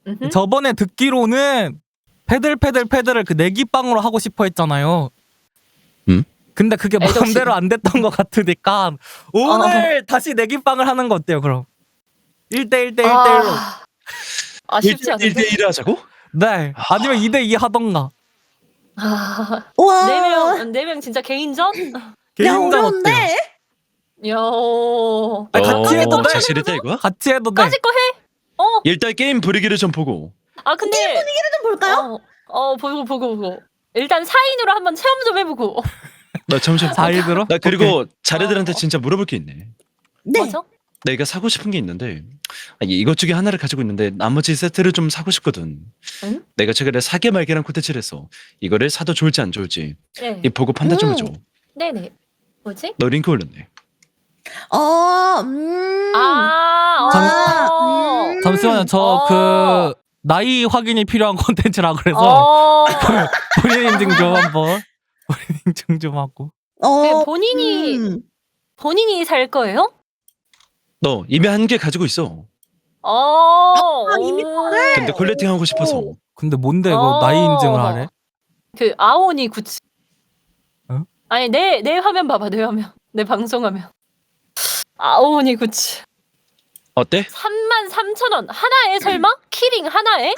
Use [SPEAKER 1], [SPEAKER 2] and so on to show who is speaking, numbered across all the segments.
[SPEAKER 1] 음흠.
[SPEAKER 2] 저번에 듣기로는 패들을 그 내기빵으로 하고 싶어 했잖아요. 근데 그게 마음대로 안 됐던 것 같으니까 오늘 다시 내기빵을 하는 거 어때요, 그럼? 1대1로.
[SPEAKER 1] 쉽지 않은데?
[SPEAKER 3] 1대1 하자고?
[SPEAKER 2] 네. 아니면 2대2 하던가.
[SPEAKER 4] 와.
[SPEAKER 1] 4명 진짜 개인전?
[SPEAKER 2] 개인전
[SPEAKER 4] 어려운데?
[SPEAKER 2] 어때요?
[SPEAKER 1] 요.
[SPEAKER 2] 아니, 같이 해도 돼.
[SPEAKER 3] 자신 있다 이거야?
[SPEAKER 2] 같이 해도 돼.
[SPEAKER 1] 까짓 거 해?
[SPEAKER 3] 일단 게임 분위기를 좀 보고.
[SPEAKER 1] 근데
[SPEAKER 4] 게임 분위기를 좀 볼까요?
[SPEAKER 1] 보고. 일단 4인으로 한번 체험 좀 해보고.
[SPEAKER 3] 나 잠시만.
[SPEAKER 2] 4인으로?
[SPEAKER 3] 나 그리고 자네들한테 진짜 물어볼 게 있네.
[SPEAKER 4] 네.
[SPEAKER 1] 뭐죠?
[SPEAKER 3] 내가 사고 싶은 게 있는데 이것 중에 하나를 가지고 있는데 나머지 세트를 좀 사고 싶거든.
[SPEAKER 1] 응?
[SPEAKER 3] 내가 최근에 사게 말게란 콘텐츠를 해서 이거를 사도 좋을지 안 좋을지
[SPEAKER 1] 네.
[SPEAKER 3] 이 보고 판단 좀 해줘.
[SPEAKER 1] 네네. 뭐지?
[SPEAKER 3] 너 링크 올렸네.
[SPEAKER 2] 잠시만요. 저 나이 확인이 필요한 콘텐츠라 그래서 본인 인증 좀 한번. 본인 인증 좀 하고.
[SPEAKER 1] 본인이 살 거예요?
[SPEAKER 3] 너 이미 한 개 가지고 있어.
[SPEAKER 4] 이미
[SPEAKER 3] 근데 콜렉팅 하고 싶어서.
[SPEAKER 2] 근데 뭔데 이거 나이 인증을 하래?
[SPEAKER 1] 그 아오니 구치.
[SPEAKER 2] 어?
[SPEAKER 1] 아니 내 화면 봐봐, 내 화면. 내 방송화면. 아오니 구치.
[SPEAKER 3] 어때?
[SPEAKER 1] 33,000원 하나에 설마? 키링 하나에?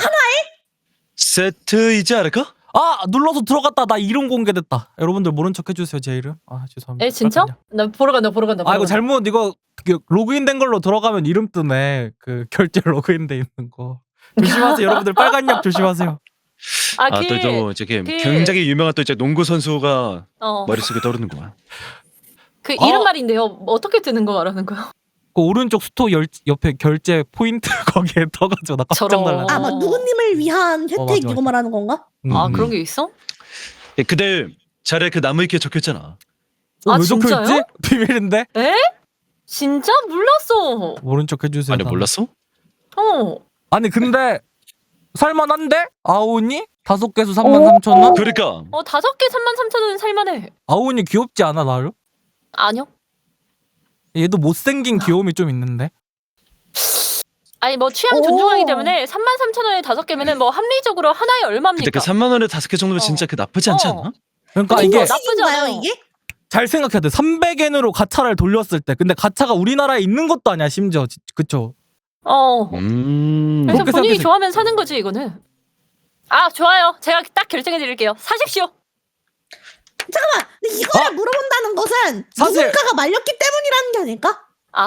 [SPEAKER 3] 세트이지 않을까?
[SPEAKER 2] 눌러서 들어갔다. 나 이름 공개됐다. 여러분들 모른 척 해주세요, 제 이름. 죄송합니다.
[SPEAKER 1] 진짜? 나 보러 간다.
[SPEAKER 2] 이거 잘못 이거 로그인된 걸로 들어가면 이름 뜨네. 그 결제 로그인돼 있는 거. 조심하세요, 여러분들. 빨간 약 조심하세요.
[SPEAKER 3] 또 이제 굉장히 유명한 또 이제 농구 선수가 머릿속에 떠오르는구만.
[SPEAKER 1] 그 이름 말인데요. 어떻게 뜨는 거 말하는 거야?
[SPEAKER 2] 그 오른쪽 스토어 옆에 결제 포인트 거기에 떠가지고 나 깜짝 놀랐네.
[SPEAKER 4] 막 누구님을 위한 혜택
[SPEAKER 2] 맞아.
[SPEAKER 4] 이거 말하는 건가?
[SPEAKER 1] 그런 게 있어?
[SPEAKER 3] 근데 자네 그 나무 위키에 적혀있잖아.
[SPEAKER 2] 왜
[SPEAKER 1] 진짜요?
[SPEAKER 2] 적혀있지? 비밀인데?
[SPEAKER 1] 에? 진짜? 몰랐어.
[SPEAKER 2] 모른 척 해주세요.
[SPEAKER 3] 아니 몰랐어?
[SPEAKER 2] 아니 근데 살만한데? 아오니? 5개수 33,000원?
[SPEAKER 3] 그러니까
[SPEAKER 1] 5개 33,000원 살만해.
[SPEAKER 2] 아오니 귀엽지 않아 나를?
[SPEAKER 1] 아니요.
[SPEAKER 2] 얘도 못생긴 귀여움이 좀 있는데?
[SPEAKER 1] 아니 뭐 취향 존중하기 때문에 33,000원에 5개면은 뭐 합리적으로 하나에 얼마입니까?
[SPEAKER 3] 근데 그 3만 원에 5개 정도면 진짜 그 나쁘지 않지 않나?
[SPEAKER 2] 그러니까 이게
[SPEAKER 1] 나쁘지 않아요.
[SPEAKER 4] 이게?
[SPEAKER 2] 잘 생각해야 돼. 300엔으로 가차를 돌렸을 때. 근데 가차가 우리나라에 있는 것도 아니야 심지어. 그쵸?
[SPEAKER 1] 그래서
[SPEAKER 2] 그렇게
[SPEAKER 1] 본인이
[SPEAKER 2] 생각해서-
[SPEAKER 1] 좋아하면 사는 거지 이거는. 좋아요. 제가 딱 결정해 드릴게요. 사십시오.
[SPEAKER 4] 잠깐만. 근데 이거를 물어본다는 것은
[SPEAKER 2] 사실-
[SPEAKER 4] 누군가가 말렸기 때문이라는 게 아닐까?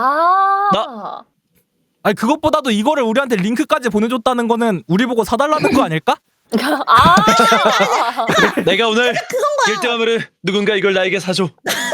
[SPEAKER 2] 아니 그것보다도 이거를 우리한테 링크까지 보내줬다는 거는 우리 보고 사달라는 거 아닐까?
[SPEAKER 3] 내가 오늘
[SPEAKER 4] 그건 거야.
[SPEAKER 3] 1등하면은 누군가 이걸 나에게 사줘.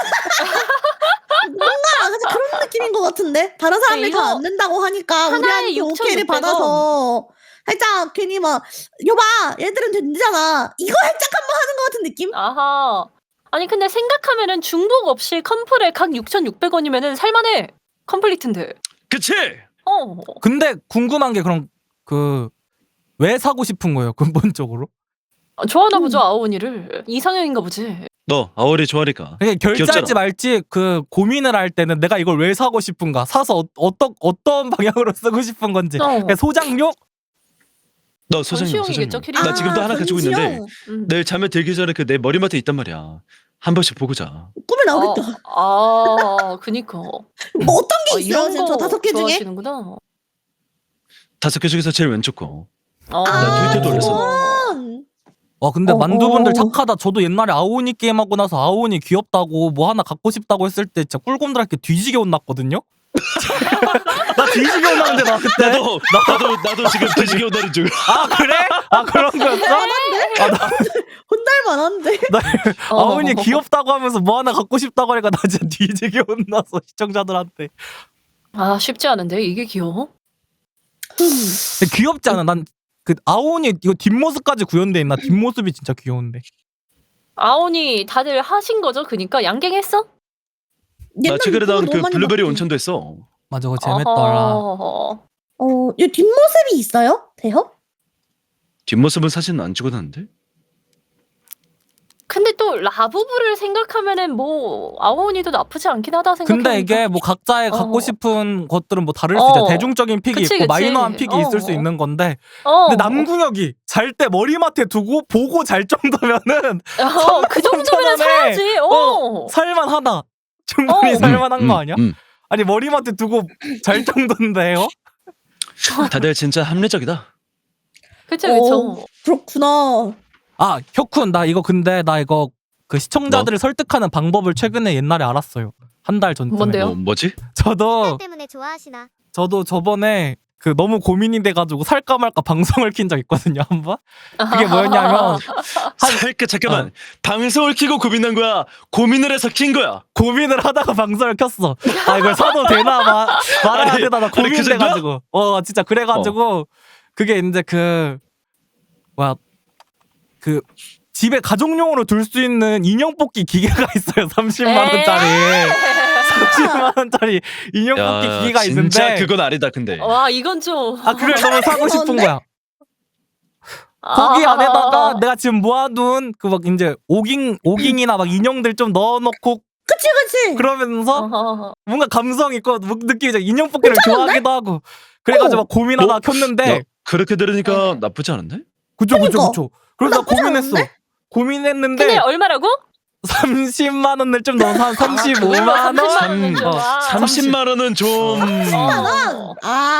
[SPEAKER 4] 그래서 그런 느낌인 것 같은데 다른 사람들이
[SPEAKER 1] 이거
[SPEAKER 4] 다 안 된다고 하니까
[SPEAKER 1] 하나에
[SPEAKER 4] 우리한테 오케이를
[SPEAKER 1] 6,600원.
[SPEAKER 4] 받아서 살짝 괜히 막 여봐 얘들은 된잖아 이거 살짝 한번 하는 것 같은 느낌?
[SPEAKER 1] 아니 근데 생각하면은 중복 없이 컴플에 각 6,600원이면은 살만해. 컴플리트인데.
[SPEAKER 3] 그치?
[SPEAKER 2] 근데 궁금한 게 그럼 왜 사고 싶은 거예요 근본적으로?
[SPEAKER 1] 좋아하나 보죠 아오니를. 이상형인가 보지.
[SPEAKER 3] 너 아오리 좋아하니까.
[SPEAKER 2] 그냥 결제할지
[SPEAKER 3] 귀엽잖아.
[SPEAKER 2] 말지 고민을 할 때는 내가 이걸 왜 사고 싶은가, 사서 어떤 방향으로 쓰고 싶은 건지. 그냥 소장용?
[SPEAKER 3] 너 소장용.
[SPEAKER 1] 전시용이겠죠, 키링?
[SPEAKER 3] 나 지금도 하나 가지고 있는데
[SPEAKER 4] 전시용.
[SPEAKER 3] 내일 잠에 들기 전에 그 내 머리맡에 있단 말이야. 한 번씩 보고 자.
[SPEAKER 4] 꿈에 나오겠다
[SPEAKER 1] 그니까.
[SPEAKER 4] 뭐 어떤 게 있어요
[SPEAKER 1] 이런
[SPEAKER 4] 지금
[SPEAKER 1] 거
[SPEAKER 4] 저 5개 중에?
[SPEAKER 1] 좋아하시는구나.
[SPEAKER 3] 5개 중에서 제일 왼쪽 거. 나 트위터도 올렸어.
[SPEAKER 2] 와 근데 만두분들 착하다. 저도 옛날에 아오니 게임하고 나서 아오니 귀엽다고 뭐 하나 갖고 싶다고 했을 때 진짜 꿀곰들한테 뒤지게 혼났거든요? 나 뒤지게 혼났는데 나 그때.
[SPEAKER 3] 나도 지금 뒤지게 온다는 중.
[SPEAKER 2] 그래? 그런 거였어?
[SPEAKER 4] 혼날 만한데
[SPEAKER 2] 아오니 귀엽다고 하면서 뭐 하나 갖고 싶다고 하니까 나 진짜 뒤지게 혼났어 시청자들한테.
[SPEAKER 1] 쉽지 않은데 이게 귀여워?
[SPEAKER 2] 근데 귀엽지 않아? 난 그 아오니 이거 뒷모습까지 구현돼 있나? 뒷모습이 진짜 귀여운데.
[SPEAKER 1] 아오니 다들 하신 거죠? 그니까 양갱했어?
[SPEAKER 3] 나 최근에 나온 그 블루베리 온천도 했어.
[SPEAKER 2] 맞아 그거 재밌더라.
[SPEAKER 4] 이 뒷모습이 있어요? 돼요?
[SPEAKER 3] 뒷모습은 사실 안 찍어놨는데?
[SPEAKER 1] 근데 또 라부부를 생각하면은 뭐 아오니도 나쁘지 않긴 하다 생각해.
[SPEAKER 2] 근데 이게 뭐 각자의 갖고 싶은 것들은 뭐 다를 수
[SPEAKER 1] 어.
[SPEAKER 2] 있죠. 대중적인 픽이
[SPEAKER 1] 그치,
[SPEAKER 2] 있고
[SPEAKER 1] 그치.
[SPEAKER 2] 마이너한 픽이 있을 수 있는 건데.
[SPEAKER 1] 어.
[SPEAKER 2] 근데 남궁혁이 잘 때 머리맡에 두고 보고 잘 정도면은
[SPEAKER 1] 그 정도면 사야지.
[SPEAKER 2] 살만하다. 충분히 살만한 거 아니야?
[SPEAKER 3] 음.
[SPEAKER 2] 아니 머리맡에 두고 잘 정도인데요?
[SPEAKER 3] 다들 진짜 합리적이다.
[SPEAKER 1] 그쵸 그쵸.
[SPEAKER 4] 그렇구나.
[SPEAKER 2] 아 혁훈 나 이거 그 시청자들을 설득하는 방법을 최근에 옛날에 알았어요. 한 달 전쯤에.
[SPEAKER 1] 뭔데요?
[SPEAKER 3] 뭐지?
[SPEAKER 2] 저도
[SPEAKER 5] 때문에 좋아하시나?
[SPEAKER 2] 저도 저번에 그 너무 고민이 돼가지고 살까 말까 방송을 킨 적 있거든요 한번. 그게 뭐였냐면
[SPEAKER 3] 잠깐만. 방송을 키고 고민한 거야? 고민을 해서 킨 거야?
[SPEAKER 2] 고민을 하다가 방송을 켰어. 아 이걸 사도 되나 말아야
[SPEAKER 3] 아니,
[SPEAKER 2] 되나 나
[SPEAKER 3] 아니, 그
[SPEAKER 2] 고민돼가지고. 진짜 그래가지고 그게 이제 그 집에 가족용으로 둘 수 있는 인형 뽑기 기계가 있어요. 30만 원짜리. 30만 원짜리 인형 뽑기 기계가 있는데.
[SPEAKER 3] 진짜 그건 아니다 근데.
[SPEAKER 1] 와 이건 좀.
[SPEAKER 2] 그걸 너무 사고 싶은 거야. 거기 안에다가 내가 지금 모아둔 그 막 이제 오깅이나 막 인형들 좀 넣어놓고.
[SPEAKER 4] 그치.
[SPEAKER 2] 그러면서 뭔가 감성 있고 느끼죠. 인형 뽑기를 좋아하기도 하고. 그래가지고 막 고민하다가 켰는데.
[SPEAKER 3] 야, 그렇게 들으니까 나쁘지 않은데?
[SPEAKER 2] 그쵸. 그래서 나 고민했어.
[SPEAKER 4] 않은데?
[SPEAKER 2] 고민했는데.
[SPEAKER 1] 근데 얼마라고?
[SPEAKER 2] 30만 원을 좀 넣어서 한 35만 원?
[SPEAKER 3] 30만 원은 좀.
[SPEAKER 4] 30만 원.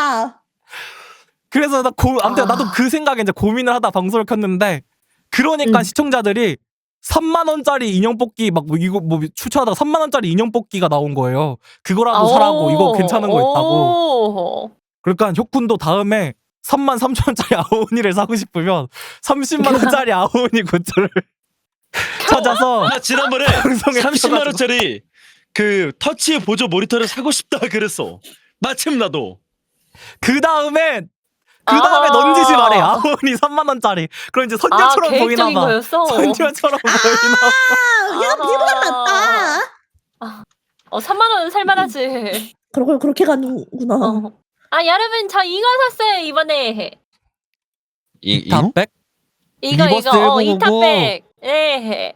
[SPEAKER 2] 그래서 아무튼 나도 그 생각에 이제 고민을 하다 방송을 켰는데 그러니까 시청자들이 3만 원짜리 인형 뽑기 막 이거 뭐 추천하다가 3만 원짜리 인형 뽑기가 나온 거예요. 그거라도 사라고 이거 괜찮은 거 있다고. 그러니까 혁군도 다음에 3만 3천 원짜리 아오니를 사고 싶으면 30만 원짜리 아오니 굿즈를 찾아서
[SPEAKER 3] 나 지난번에 30만 원짜리 그 터치 보조 모니터를 사고 싶다 그랬어. 마침 나도.
[SPEAKER 2] 그 다음에 넌지시 말해. 아오니 3만 원짜리. 그럼 이제 선녀처럼 보이나 봐.
[SPEAKER 1] 거였어?
[SPEAKER 2] 선녀처럼 보이나 봐.
[SPEAKER 4] 야, 비보다 낫다.
[SPEAKER 1] 3만 원은 살만하지.
[SPEAKER 4] 그걸 그렇게 가는구나.
[SPEAKER 1] 여러분 저 이거 샀어요 이번에.
[SPEAKER 2] 이탑백?
[SPEAKER 1] 이거
[SPEAKER 2] 리버스
[SPEAKER 1] 2탑백. 네.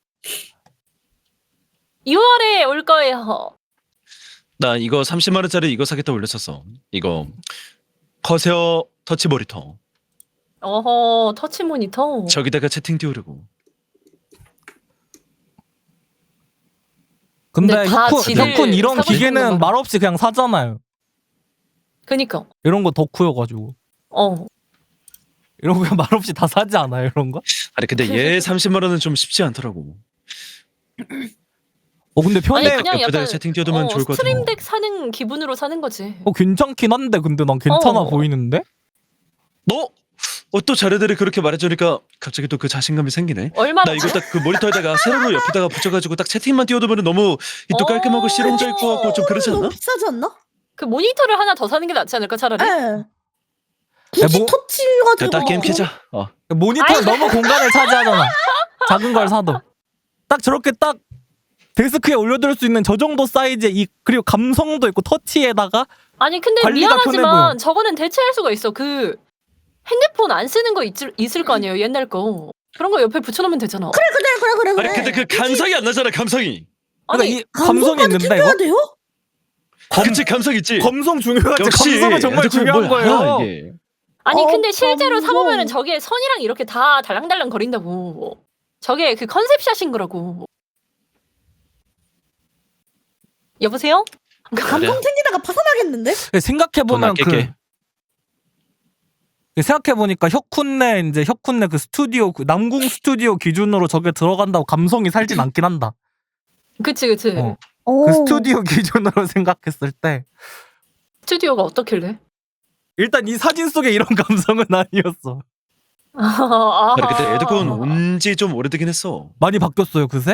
[SPEAKER 1] 6월에 올 거예요.
[SPEAKER 3] 나 이거 30만 원짜리 이거 사겠다 올렸었어. 이거 커세어 터치 모니터.
[SPEAKER 1] 터치 모니터.
[SPEAKER 3] 저기다가 채팅 띄우려고.
[SPEAKER 2] 근데 혁훈 이런
[SPEAKER 1] 사고 싶은
[SPEAKER 2] 기계는
[SPEAKER 1] 거만.
[SPEAKER 2] 말없이 그냥 사잖아요.
[SPEAKER 1] 그니까.
[SPEAKER 2] 이런 거 덕후여가지고. 이런 거 그냥 말없이 다 사지 않아요 이런 거?
[SPEAKER 3] 아니 근데 얘 30만 원은 좀 쉽지 않더라고.
[SPEAKER 2] 근데 편해.
[SPEAKER 1] 그냥
[SPEAKER 3] 옆에다가
[SPEAKER 1] 약간
[SPEAKER 3] 채팅 띄워두면 좋을 것 같아.
[SPEAKER 1] 스트림덱 사는 기분으로 사는 거지.
[SPEAKER 2] 괜찮긴 한데 근데 난 괜찮아 보이는데?
[SPEAKER 3] 너? 또 자네들이 그렇게 말해주니까 갑자기 또 그 자신감이 생기네.
[SPEAKER 1] 얼마나?
[SPEAKER 3] 나 이거 딱 그 모니터에다가 세로로 옆에다가 붙여가지고 딱 채팅만 띄워두면 너무 또 깔끔하고 실용적 있고 같고 좀 그렇지 않나?
[SPEAKER 4] 너무 비싸지 않나?
[SPEAKER 1] 그 모니터를 하나 더 사는 게 낫지 않을까 차라리?
[SPEAKER 4] 예. 굳이 터치 가지고.
[SPEAKER 3] 됐다 게임 켜자.
[SPEAKER 2] 모니터는 너무 공간을 차지하잖아. 작은 걸 사도. 딱 저렇게 딱 데스크에 올려둘 수 있는 저 정도 사이즈의 그리고 감성도 있고 터치에다가.
[SPEAKER 1] 아니 근데
[SPEAKER 2] 관리가 편해 보여.
[SPEAKER 1] 미안하지만 저거는 대체할 수가 있어. 그 핸드폰 안 쓰는 거 있을 거 아니에요 옛날 거. 그런 거 옆에 붙여놓으면 되잖아.
[SPEAKER 4] 그래.
[SPEAKER 3] 아니 근데 그 감성이 안 나잖아 감성이.
[SPEAKER 2] 그러니까 이 감성이 있는데
[SPEAKER 4] 챙겨야 돼요?
[SPEAKER 3] 그치 감성 있지.
[SPEAKER 2] 감성 중요하지.
[SPEAKER 3] 역시
[SPEAKER 2] 감성은 정말 중요한 거예요.
[SPEAKER 3] 이게.
[SPEAKER 1] 아니 근데 실제로
[SPEAKER 4] 감성.
[SPEAKER 1] 사보면은 저게 선이랑 이렇게 다 달랑달랑 거린다고. 저게 그 컨셉샷인 거라고. 여보세요?
[SPEAKER 4] 감성 챙기다가 파산하겠는데?
[SPEAKER 2] 생각해보면 생각해보니까 혁훈네 그 스튜디오 그 남궁 스튜디오 기준으로 저게 들어간다고 감성이 살진 않긴 한다.
[SPEAKER 1] 그치.
[SPEAKER 2] 그 스튜디오 기준으로 생각했을 때
[SPEAKER 1] 스튜디오가 어떻길래?
[SPEAKER 2] 일단 이 사진 속에 이런 감성은 아니었어.
[SPEAKER 3] 근데 에드콘 온지 좀 오래되긴 했어.
[SPEAKER 2] 많이 바뀌었어요 그새?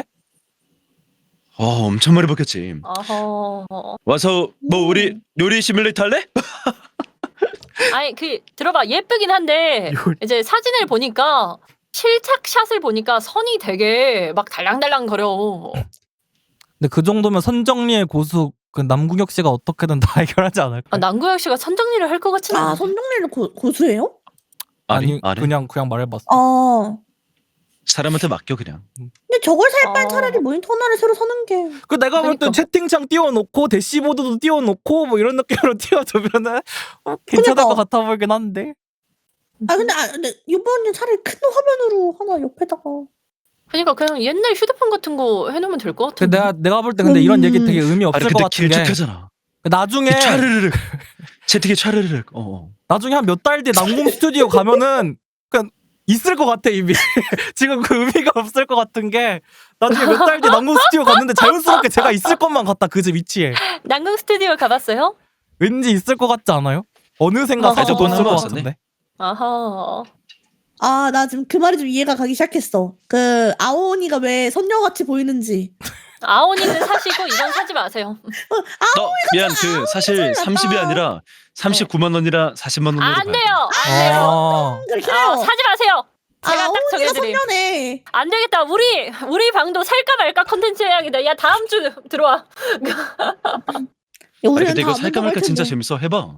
[SPEAKER 3] 엄청 많이 바뀌었지. 와서 뭐 우리 요리 시뮬레이터 할래?
[SPEAKER 1] 아니 들어봐 예쁘긴 한데 이제 사진을 보니까 실착샷을 보니까 선이 되게 막 달랑달랑 거려.
[SPEAKER 2] 근데 그 정도면 선정리의 고수 그 남궁혁 씨가 어떻게든 다 해결하지 않을까?
[SPEAKER 1] 남궁혁 씨가 선정리를 할 것 같진 않아.
[SPEAKER 4] 선정리를
[SPEAKER 3] 아니
[SPEAKER 2] 그냥 말해봤어.
[SPEAKER 4] 아.
[SPEAKER 3] 사람한테 맡겨 그냥.
[SPEAKER 4] 근데 근데 저걸 살 바엔
[SPEAKER 1] 아.
[SPEAKER 4] 차라리 모니터 하나를 새로 사는 게.
[SPEAKER 2] 그 내가 볼 때
[SPEAKER 1] 그러니까.
[SPEAKER 2] 채팅창 띄워놓고 대시보드도 띄워놓고 뭐 이런 느낌으로 띄워주면은 괜찮을
[SPEAKER 4] 그러니까.
[SPEAKER 2] 것 같아 보이긴 한데.
[SPEAKER 4] 근데 이번엔 차라리 큰 화면으로 하나 옆에다가.
[SPEAKER 1] 그러니까 그냥 옛날 휴대폰 같은 거 해놓으면 될 것
[SPEAKER 2] 그
[SPEAKER 1] 같은데.
[SPEAKER 2] 내가 볼 때 근데 이런 얘기 되게 의미
[SPEAKER 3] 아니
[SPEAKER 2] 없을 것
[SPEAKER 3] 근데
[SPEAKER 2] 같은 게
[SPEAKER 3] 길쭉하잖아.
[SPEAKER 2] 나중에
[SPEAKER 3] 차르르륵 채팅이 차르르륵.
[SPEAKER 2] 나중에 한 몇 달 뒤에 남궁 스튜디오 가면은 그냥 있을 것 같아 이미. 지금 그 의미가 없을 것 같은 게 나중에 몇 달 뒤에 남궁 스튜디오 갔는데 자연스럽게 제가 있을 것만 같다 그 집 위치에.
[SPEAKER 1] 난궁 스튜디오 가봤어요?
[SPEAKER 2] 왠지 있을 것 같지 않아요? 어느샌가
[SPEAKER 1] 맞아,
[SPEAKER 2] 사실 돈 쓸 것
[SPEAKER 3] 맞아.
[SPEAKER 2] 같은데.
[SPEAKER 1] 아하.
[SPEAKER 4] 나 지금 그 말이 좀 이해가 가기 시작했어. 그 아오니가 왜 선녀같이 보이는지.
[SPEAKER 1] 아오니는 사시고 이건 사지 마세요.
[SPEAKER 3] 미안 그 사실 30이 아니라 39만 원이라 40만 원으로
[SPEAKER 1] 안
[SPEAKER 3] 봐야
[SPEAKER 1] 돼요. 안 돼요.
[SPEAKER 2] 아,
[SPEAKER 4] 그렇게 해요.
[SPEAKER 1] 사지 마세요. 제가 딱
[SPEAKER 4] 아오니가
[SPEAKER 1] 정해드림.
[SPEAKER 4] 선녀네.
[SPEAKER 1] 안 되겠다. 우리 방도 살까 말까 컨텐츠 해야겠다. 야 다음 주 들어와.
[SPEAKER 3] 아니
[SPEAKER 4] 우리는
[SPEAKER 3] 근데 이거
[SPEAKER 4] 다
[SPEAKER 3] 살까
[SPEAKER 4] 안
[SPEAKER 3] 말까 진짜
[SPEAKER 4] 텐데.
[SPEAKER 3] 재밌어. 해봐.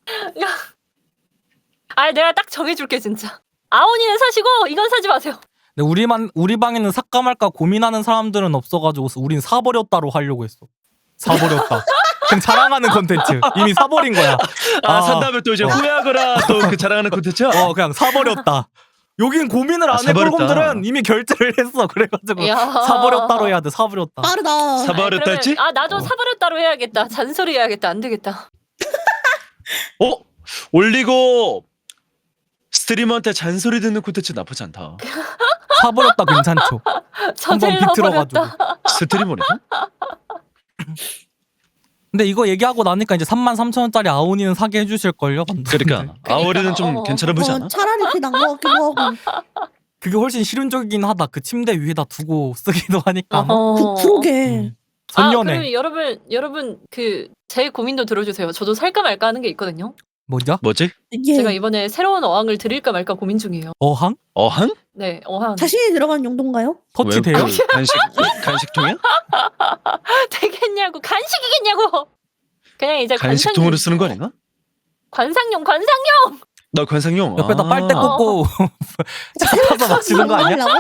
[SPEAKER 1] 내가 딱 정해줄게 진짜. 아오니는 사시고 이건 사지 마세요.
[SPEAKER 2] 근데 우리 방에는 살까 말까 고민하는 사람들은 없어가지고 우린 사버렸다로 하려고 했어. 사버렸다. 그냥 자랑하는 콘텐츠. 이미 사버린 거야.
[SPEAKER 3] 산 다음에 또 이제 후회하거나 또 그 자랑하는 콘텐츠야?
[SPEAKER 2] 그냥 사버렸다. 여긴 고민을 안 해.
[SPEAKER 3] 사버렸다.
[SPEAKER 2] 꿀곰들은 이미 결제를 했어. 그래가지고
[SPEAKER 1] 야.
[SPEAKER 2] 사버렸다로 해야 돼. 사버렸다.
[SPEAKER 4] 빠르다.
[SPEAKER 3] 사버렸다 했지?
[SPEAKER 1] 나도 사버렸다로 해야겠다. 잔소리 해야겠다. 안 되겠다.
[SPEAKER 3] 올리고 스트리머한테 잔소리 듣는 콘텐츠 나쁘지 않다.
[SPEAKER 2] 사버렸다 괜찮죠. 한번
[SPEAKER 1] 저질러
[SPEAKER 2] 비틀어가지고.
[SPEAKER 1] 버렸다.
[SPEAKER 3] 스트리머네?
[SPEAKER 2] 근데 이거 얘기하고 나니까 이제 33,000원짜리 아오니는 사게 해주실걸요?
[SPEAKER 3] 그러니까 아오리는 좀
[SPEAKER 1] 어.
[SPEAKER 3] 괜찮아 보이지 않아?
[SPEAKER 4] 차라리 그게 나은 것 같기도 하고.
[SPEAKER 2] 그게 훨씬 실용적이긴 하다. 그 침대 위에다 두고 쓰기도 하니까.
[SPEAKER 4] 그러게.
[SPEAKER 2] 음. 선녀네.
[SPEAKER 1] 그럼 여러분 제 고민도 들어주세요. 저도 살까 말까 하는 게 있거든요.
[SPEAKER 2] 뭐죠?
[SPEAKER 3] 뭐지?
[SPEAKER 4] 이게
[SPEAKER 1] 제가 이번에 새로운 어항을 드릴까 말까 고민 중이에요.
[SPEAKER 2] 어항?
[SPEAKER 3] 어항?
[SPEAKER 1] 네, 어항.
[SPEAKER 4] 자신이 들어간 용도인가요?
[SPEAKER 2] 터치돼요?
[SPEAKER 3] 왜, 간식통이야?
[SPEAKER 1] 되겠냐고 간식이겠냐고. 그냥 이제
[SPEAKER 3] 간식통으로 쓰는 거 아닌가?
[SPEAKER 1] 관상용.
[SPEAKER 3] 나 관상용.
[SPEAKER 2] 옆에다 빨대
[SPEAKER 1] 어.
[SPEAKER 2] 꽂고 잡아서 마시는 거 아니야?
[SPEAKER 4] 하려고?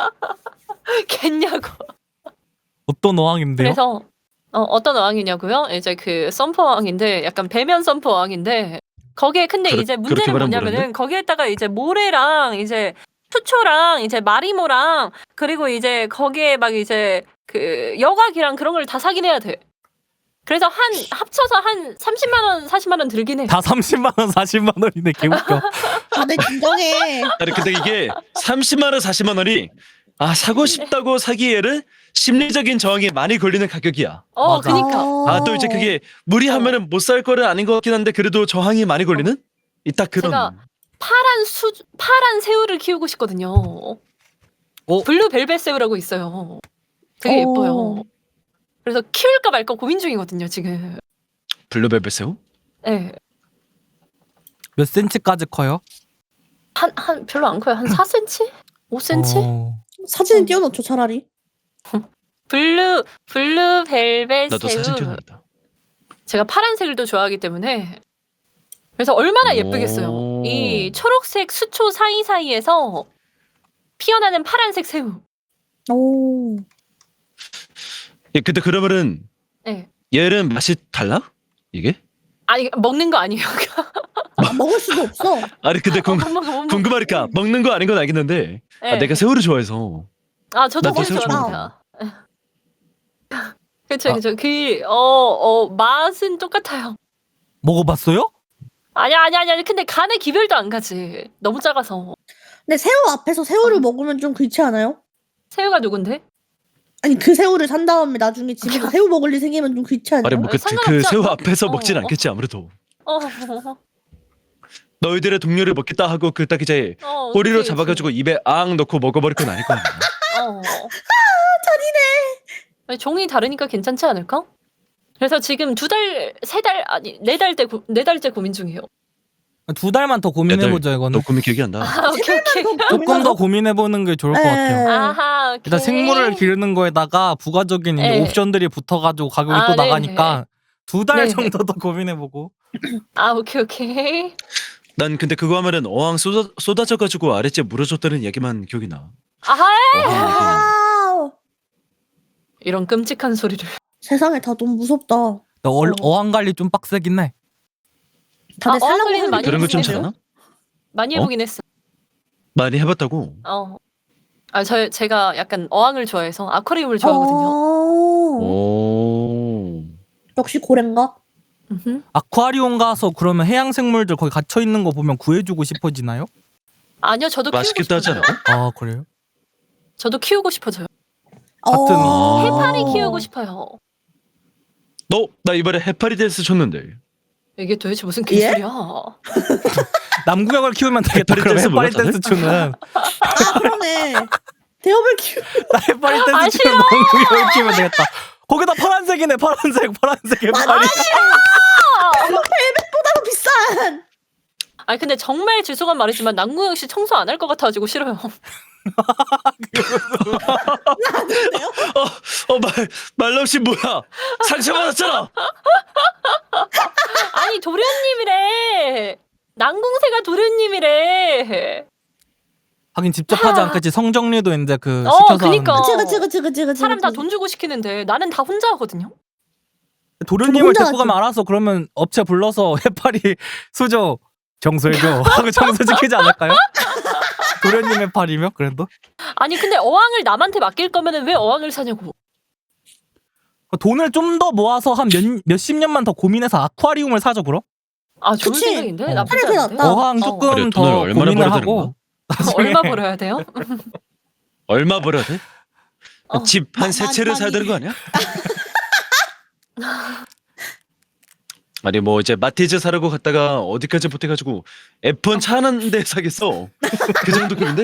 [SPEAKER 1] 겠냐고.
[SPEAKER 2] 어떤 어항인데요?
[SPEAKER 1] 그래서 어떤 어항이냐고요? 이제 그 썸퍼 어항인데 약간 배면 썸퍼 어항인데 거기에 근데 이제
[SPEAKER 3] 그렇게
[SPEAKER 1] 문제는
[SPEAKER 3] 말하면
[SPEAKER 1] 뭐냐면은
[SPEAKER 3] 모르는데?
[SPEAKER 1] 거기에다가 이제 모래랑 이제 수초랑 이제 마리모랑 그리고 이제 거기에 막 이제 그 여과기랑 그런 걸 다 사긴 해야 돼. 그래서 합쳐서 한 30만 원, 40만 원 들긴 해.
[SPEAKER 2] 다 30만 원, 40만 원이네. 개웃겨.
[SPEAKER 4] 다들 진정해.
[SPEAKER 3] 아니 근데 이게 30만 원, 40만 원이 사고 싶다고 사기에는 심리적인 저항이 많이 걸리는 가격이야.
[SPEAKER 2] 맞아.
[SPEAKER 1] 그니까.
[SPEAKER 3] 또 이제 그게 무리하면은 못 살 거는 아닌 것 같긴 한데 그래도 저항이 많이 걸리는? 딱 그런.
[SPEAKER 1] 제가 파란 새우를 키우고 싶거든요. 블루벨벳 새우라고 있어요. 되게 예뻐요. 그래서 키울까 말까 고민 중이거든요, 지금.
[SPEAKER 3] 블루벨벳 새우?
[SPEAKER 1] 네.
[SPEAKER 2] 몇 센치까지 커요?
[SPEAKER 1] 한 별로 안 커요. 한 4cm? 5cm?
[SPEAKER 4] 사진을 띄워놓죠 차라리.
[SPEAKER 1] 블루벨벳
[SPEAKER 3] 나도
[SPEAKER 1] 새우.
[SPEAKER 3] 사진 찍어야겠다.
[SPEAKER 1] 제가 파란색을 또 좋아하기 때문에 그래서 얼마나
[SPEAKER 3] 오.
[SPEAKER 1] 예쁘겠어요. 이 초록색 수초 사이사이에서 피어나는 파란색 새우.
[SPEAKER 4] 오.
[SPEAKER 3] 예, 근데 그러면은
[SPEAKER 1] 네.
[SPEAKER 3] 얘는 맛이 달라? 이게?
[SPEAKER 1] 아니 먹는 거 아니에요.
[SPEAKER 4] 먹을 수도 없어.
[SPEAKER 3] 아니 근데
[SPEAKER 1] 못 먹어.
[SPEAKER 3] 궁금하니까 먹는 거 아닌 건 알겠는데
[SPEAKER 1] 네.
[SPEAKER 3] 내가 새우를 좋아해서
[SPEAKER 1] 저도
[SPEAKER 3] 나도
[SPEAKER 1] 새우
[SPEAKER 3] 새우
[SPEAKER 1] 좋아합니다. 그쵸. 맛은 똑같아요.
[SPEAKER 2] 먹어봤어요?
[SPEAKER 1] 아니야. 근데 간에 기별도 안 가지. 너무 작아서.
[SPEAKER 4] 근데 새우 앞에서 새우를 먹으면 좀 그렇지 않아요?
[SPEAKER 1] 새우가 누군데?
[SPEAKER 4] 아니 그 새우를 산 다음에 나중에 집에서 새우 먹을 일 생기면 좀 그렇지 않아요?
[SPEAKER 3] 아니 뭐 그
[SPEAKER 1] 상관없지
[SPEAKER 3] 새우
[SPEAKER 1] 않나?
[SPEAKER 3] 앞에서 먹진
[SPEAKER 1] 어.
[SPEAKER 3] 않겠지 아무래도
[SPEAKER 1] 어.
[SPEAKER 3] 너희들의 동료를 먹겠다 하고 그 딱 이제 꼬리로
[SPEAKER 1] 그치,
[SPEAKER 3] 잡아가지고 입에 앙 넣고 먹어버릴 건 아닐 거 아니야.
[SPEAKER 1] 잔인해. 종이 다르니까 괜찮지 않을까? 그래서 지금 2달, 3달, 아니 4달째 고민 중이에요.
[SPEAKER 2] 2달만 더 고민해보죠 이거는.
[SPEAKER 3] 너 고민 길게 한다.
[SPEAKER 1] 오케이.
[SPEAKER 2] 조금 더 고민해보는 게 좋을 것 같아요.
[SPEAKER 1] 아하, 오케이.
[SPEAKER 2] 일단 생물을 기르는 거에다가 부가적인 이제
[SPEAKER 1] 네.
[SPEAKER 2] 옵션들이 붙어가지고 가격이 또
[SPEAKER 1] 네.
[SPEAKER 2] 나가니까 2달
[SPEAKER 1] 네.
[SPEAKER 2] 정도 더 고민해보고.
[SPEAKER 1] 오케이.
[SPEAKER 3] 난 근데 그거 하면은 어항 쏟아져가지고 아랫집 물어줬다는 얘기만 기억이 나.
[SPEAKER 1] 아하,
[SPEAKER 3] 어항
[SPEAKER 1] 이런 끔찍한 소리를.
[SPEAKER 4] 세상에 다 너무 무섭다.
[SPEAKER 2] 어항 관리 좀 빡세긴 해.
[SPEAKER 4] 다들 살라고
[SPEAKER 1] 어항관리는
[SPEAKER 4] 하는
[SPEAKER 1] 많이
[SPEAKER 3] 그런 거 좀
[SPEAKER 1] 해보세요?
[SPEAKER 3] 잘하나?
[SPEAKER 1] 많이 해보긴 했어.
[SPEAKER 3] 많이 해봤다고.
[SPEAKER 1] 제가 약간 어항을 좋아해서 아쿠아리움을 좋아하거든요.
[SPEAKER 3] 오.
[SPEAKER 4] 역시 고래인가?
[SPEAKER 1] 음흠.
[SPEAKER 2] 아쿠아리움 가서 그러면 해양 생물들 거기 갇혀 있는 거 보면 구해주고 싶어지나요?
[SPEAKER 1] 아니요, 저도 키우고
[SPEAKER 3] 맛있겠다 하지
[SPEAKER 1] 싶어져요.
[SPEAKER 3] 않아?
[SPEAKER 2] 아 그래요?
[SPEAKER 1] 저도 키우고 싶어져요.
[SPEAKER 2] 같은
[SPEAKER 1] 해파리 키우고 싶어요.
[SPEAKER 3] 나 이번에 해파리데스 줬는데.
[SPEAKER 1] 이게 도대체 무슨
[SPEAKER 4] 예?
[SPEAKER 1] 개소리야?
[SPEAKER 2] 남구역을 키우면 되겠다.
[SPEAKER 3] 해파리
[SPEAKER 2] 그럼
[SPEAKER 3] 댄스 몰라,
[SPEAKER 2] 해파리 댄스 추는
[SPEAKER 4] 그러네. 대업을 키우.
[SPEAKER 2] 나 해파리 댄스 추는 남구역을 키우면 되겠다. 거기다 파란색이네. 파란색 해파리.
[SPEAKER 4] 벨벳보다도 비싼.
[SPEAKER 1] 아니 근데 정말 죄송한 말이지만 남궁영 씨 청소 안 할 것 같아가지고 싫어요.
[SPEAKER 3] 말람씨 뭐야? 상처받았잖아.
[SPEAKER 1] 아니 도련님이래. 남궁새가 도련님이래.
[SPEAKER 2] 하긴 직접 하지 않겠지. 성정리도 이제 그
[SPEAKER 1] 어,
[SPEAKER 2] 시켜서
[SPEAKER 1] 그니까.
[SPEAKER 2] 하는데.
[SPEAKER 4] 그치.
[SPEAKER 1] 사람 다 돈 주고 시키는데 나는 다 혼자 하거든요.
[SPEAKER 2] 도련님을
[SPEAKER 4] 혼자
[SPEAKER 2] 데리고 가면 알아서 그러면 업체 불러서 해파리 수저 청소해줘 하고 청소시키지 않을까요? 도련님 해파리면 그래도
[SPEAKER 1] 아니 근데 어항을 남한테 맡길 거면은 왜 어항을 사냐고.
[SPEAKER 2] 돈을 좀 더 모아서 한 몇십 년만 더 고민해서 아쿠아리움을 사죠 그럼?
[SPEAKER 1] 아 좋은
[SPEAKER 4] 그치.
[SPEAKER 1] 생각인데
[SPEAKER 2] 어.
[SPEAKER 1] 나쁘지
[SPEAKER 4] 그래,
[SPEAKER 1] 않은데.
[SPEAKER 4] 낫다.
[SPEAKER 2] 어항
[SPEAKER 1] 어.
[SPEAKER 2] 조금
[SPEAKER 3] 그래, 돈을
[SPEAKER 2] 더
[SPEAKER 3] 얼마나
[SPEAKER 2] 고민을
[SPEAKER 3] 벌어야
[SPEAKER 2] 하고
[SPEAKER 1] 얼마 벌어야 돼요?
[SPEAKER 3] 얼마 벌어야 돼?
[SPEAKER 1] 어.
[SPEAKER 3] 집 한 세 채를 사야
[SPEAKER 4] 많이.
[SPEAKER 3] 되는 거 아니야? 아니 뭐 이제 마티즈 사려고 갔다가 어디까지 보태가지고 F1 차 한 대 사겠어. 그 정도 급인데.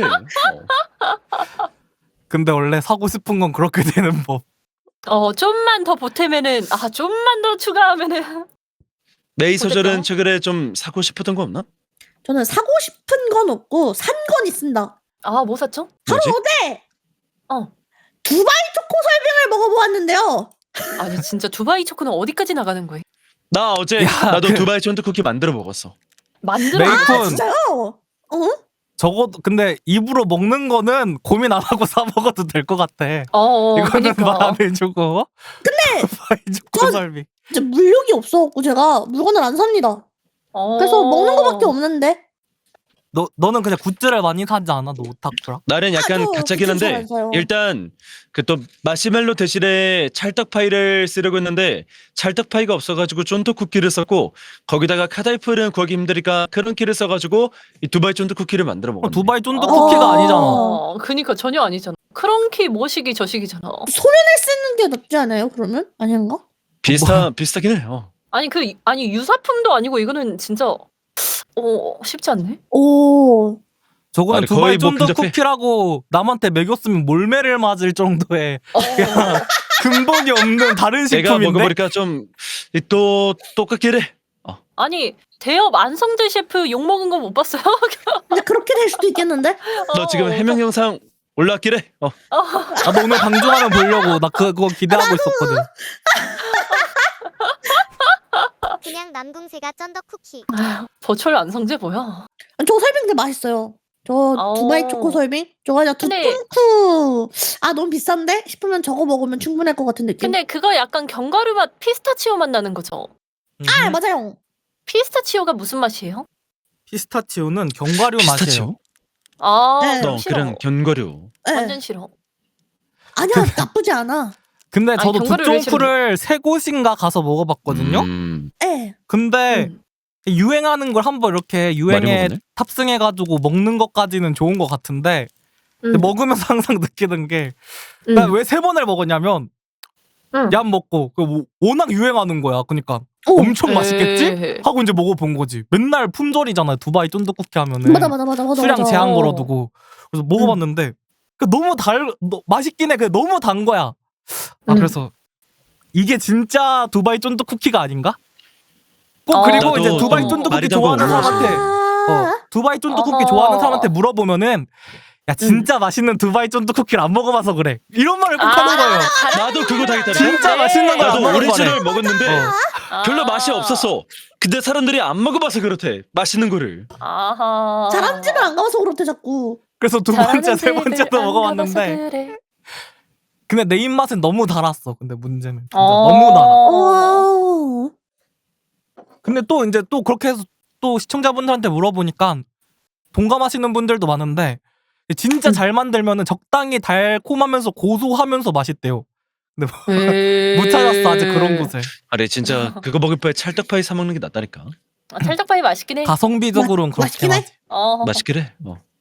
[SPEAKER 2] 근데 원래 사고 싶은 건 그렇게 되는 법.
[SPEAKER 1] 좀만 더 보태면은 좀만 더 추가하면은
[SPEAKER 3] 메이 소절은
[SPEAKER 1] 어쨌든.
[SPEAKER 3] 최근에 좀 사고 싶었던 거 없나?
[SPEAKER 4] 저는 사고 싶은 건 없고 산 건 있습니다.
[SPEAKER 1] 뭐 샀죠?
[SPEAKER 4] 바로
[SPEAKER 3] 뭐지?
[SPEAKER 4] 어제
[SPEAKER 1] 어.
[SPEAKER 4] 두바이 초코 설빙을 먹어보았는데요.
[SPEAKER 1] 아니 진짜 두바이 초코는 어디까지 나가는 거예요?
[SPEAKER 3] 나 어제
[SPEAKER 2] 야,
[SPEAKER 3] 나도
[SPEAKER 2] 그-
[SPEAKER 3] 두바이 쫀득 쿠키 만들어 먹었어.
[SPEAKER 1] 만들어.
[SPEAKER 2] 메이콘
[SPEAKER 4] 진짜요? 어?
[SPEAKER 2] 적어도 근데 입으로 먹는 거는 고민 안 하고 사 먹어도 될 것 같아. 이거는
[SPEAKER 1] 그러니까.
[SPEAKER 2] 말 안 해주고.
[SPEAKER 4] 근데
[SPEAKER 2] 초코
[SPEAKER 4] 전-
[SPEAKER 2] 설비.
[SPEAKER 4] 진짜 물욕이 없어갖고 제가 물건을 안 삽니다. 그래서 먹는 거밖에 없는데.
[SPEAKER 2] 너는 그냥 굿즈를 많이 사지 않아? 너 오타쿠라?
[SPEAKER 3] 나는 약간
[SPEAKER 4] 저
[SPEAKER 3] 가짜긴
[SPEAKER 4] 굿즈 잘
[SPEAKER 3] 한데
[SPEAKER 4] 안 사요.
[SPEAKER 3] 일단 그 또 마시멜로 대신에 찰떡 파이를 쓰려고 했는데 찰떡 파이가 없어가지고 쫀득 쿠키를 썼고 거기다가 카다이프는 구하기 힘드니까 크런키를 써가지고 이 두바이 쫀득 쿠키를 만들어 먹었네.
[SPEAKER 2] 두바이 쫀득
[SPEAKER 4] 어.
[SPEAKER 2] 쿠키가 아니잖아.
[SPEAKER 1] 그니까 전혀 아니잖아. 크런키 뭐시기 저시기잖아.
[SPEAKER 4] 소면을 쓰는 게 낫지 않아요? 그러면 아닌가?
[SPEAKER 3] 비슷하긴 해요.
[SPEAKER 1] 아니 유사품도 아니고 이거는 진짜 쉽지 않네.
[SPEAKER 4] 오.
[SPEAKER 2] 저거는
[SPEAKER 3] 아니,
[SPEAKER 2] 두바이
[SPEAKER 3] 거의 뭐
[SPEAKER 2] 쫀득
[SPEAKER 3] 근접해.
[SPEAKER 2] 쿠키라고 남한테 먹였으면 몰매를 맞을 정도의 근본이 없는 다른
[SPEAKER 3] 내가
[SPEAKER 2] 식품인데.
[SPEAKER 3] 먹어보니까 좀 또 똑같긴 해.
[SPEAKER 1] 아니 대업 안성재 셰프 욕 먹은 거 못 봤어요?
[SPEAKER 4] 근데 그렇게 될 수도 있겠는데?
[SPEAKER 3] 너 지금 해명 영상 올라왔긴 해.
[SPEAKER 2] 나도 오늘 방송하면 보려고 나 그거 기대하고 있었거든.
[SPEAKER 5] 그냥 남궁새가 쩐덕 쿠키.
[SPEAKER 1] 버추얼 안성재 뭐야?
[SPEAKER 4] 저 설빙 되게 맛있어요. 저
[SPEAKER 1] 어.
[SPEAKER 4] 두바이 초코 설빙? 저거 그냥
[SPEAKER 1] 근데-
[SPEAKER 4] 두뚱쿠. 너무 비싼데? 싶으면 저거 먹으면 충분할 것 같은 느낌.
[SPEAKER 1] 근데 그거 약간 견과류 맛 피스타치오 맛 나는 거죠?
[SPEAKER 4] 맞아요.
[SPEAKER 1] 피스타치오가 무슨 맛이에요?
[SPEAKER 2] 피스타치오는 견과류 맛이에요.
[SPEAKER 3] 피스타치오?
[SPEAKER 4] 네.
[SPEAKER 3] 너
[SPEAKER 1] 싫어.
[SPEAKER 3] 그냥 견과류.
[SPEAKER 4] 네.
[SPEAKER 1] 완전 싫어.
[SPEAKER 4] 아니야, 나쁘지 않아.
[SPEAKER 2] 근데
[SPEAKER 1] 아니,
[SPEAKER 2] 저도
[SPEAKER 1] 견과류를 왜
[SPEAKER 2] 두쫑프를 세 곳인가 가서 먹어봤거든요.
[SPEAKER 4] 네.
[SPEAKER 2] 근데 유행하는 걸 한번 이렇게 유행에
[SPEAKER 3] 먹었네?
[SPEAKER 2] 탑승해가지고 먹는 것까지는 좋은 것 같은데 근데 먹으면서 항상 느끼는 게 나 왜 세 번을 먹었냐면 얌 먹고 워낙 유행하는 거야. 그러니까
[SPEAKER 4] 오.
[SPEAKER 2] 엄청 맛있겠지?
[SPEAKER 1] 에이.
[SPEAKER 2] 하고 이제 먹어본 거지. 맨날 품절이잖아요. 두바이 쫀득쿠키 하면은
[SPEAKER 4] 맞아.
[SPEAKER 2] 수량 제한 걸어두고 그래서 먹어봤는데 너무 맛있긴 해. 너무 단 거야. 그래서 이게 진짜 두바이 쫀득쿠키가 아닌가? 꼭 그리고
[SPEAKER 3] 나도
[SPEAKER 2] 이제 두바이
[SPEAKER 3] 좀
[SPEAKER 2] 쫀득쿠키
[SPEAKER 3] 말이 단
[SPEAKER 2] 좋아하는
[SPEAKER 3] 거
[SPEAKER 2] 사람한테
[SPEAKER 4] 아.
[SPEAKER 2] 두바이 쫀득쿠키
[SPEAKER 1] 어허.
[SPEAKER 2] 좋아하는 사람한테 물어보면은 야 진짜 맛있는 두바이 쫀득쿠키를 안 먹어봐서 그래. 이런 말을 꼭 하는 거예요.
[SPEAKER 3] 나도 그거 다 했다.
[SPEAKER 2] 진짜 맛있는 거야.
[SPEAKER 3] 나도
[SPEAKER 2] 안
[SPEAKER 3] 오리지널
[SPEAKER 2] 먹어봐래.
[SPEAKER 3] 먹었는데 별로 맛이 없었어. 근데 사람들이 안 먹어봐서 그렇대. 맛있는 거를.
[SPEAKER 1] 아하.
[SPEAKER 4] 잘한 집을 안 가봐서 그렇대 자꾸.
[SPEAKER 2] 그래서 두 번째, 세 번째도 먹어봤는데 근데 내 입맛은 너무 달았어. 근데 문제는 진짜 너무 달아.
[SPEAKER 4] 오.
[SPEAKER 2] 근데 또 이제 또 그렇게 해서 또 시청자분들한테 물어보니까 동감하시는 분들도 많은데 진짜 잘 만들면은 적당히 달콤하면서 고소하면서 맛있대요. 근데 못 찾았어 아직 그런 곳을.
[SPEAKER 3] 아니 진짜 그거 먹을 바에 찰떡파이 사 먹는 게 낫다니까.
[SPEAKER 1] 찰떡파이 맛있긴 해.
[SPEAKER 2] 가성비적으로는 그렇게
[SPEAKER 4] 맛있긴 해.
[SPEAKER 2] 하지.
[SPEAKER 1] 어.
[SPEAKER 3] 맛있긴 해.